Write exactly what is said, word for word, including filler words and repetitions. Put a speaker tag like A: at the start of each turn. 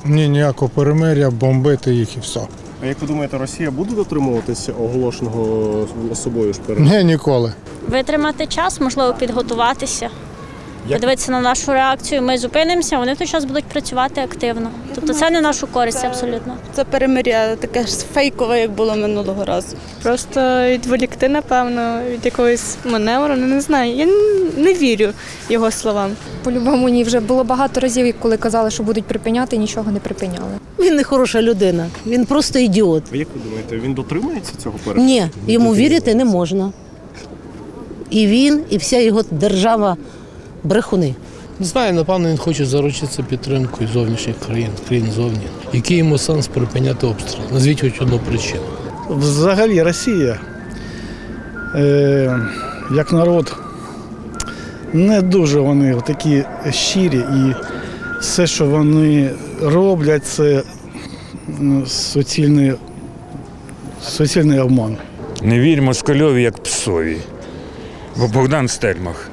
A: Ні, ніякого перемир'я, бомбити їх і все.
B: А як ви думаєте, Росія буде дотримуватися оголошеного собою ж перемир'я?
A: Ні, ніколи.
C: Витримати час, можливо, підготуватися. Подивитися на нашу реакцію, ми зупинимося, вони в той час будуть працювати активно. Тобто це не нашу користь абсолютно.
D: Це перемир'я таке ж фейкове, як було минулого разу.
E: Просто відволікти, напевно, від якогось маневру, ну, не знаю. Я не вірю його словам.
F: По-любому ні, вже було багато разів, коли казали, що будуть припиняти, нічого не припиняли.
G: Він не хороша людина, він просто ідіот.
B: А як ви думаєте, він дотримується цього перемир'я?
G: Ні, йому вірити не можна. І він, і вся його держава брехуни.
H: Не знаю, напевно, він хоче заручитися підтримкою зовнішніх країн, країн зовні. Який йому сенс припиняти обстріл? Назвіть хоч одну причину.
I: Взагалі Росія, е, як народ, не дуже вони такі щирі, і все, що вони роблять, це суцільний, суцільний обман.
J: Не вірь москальові, як псові. Бо Богдан Стельмах.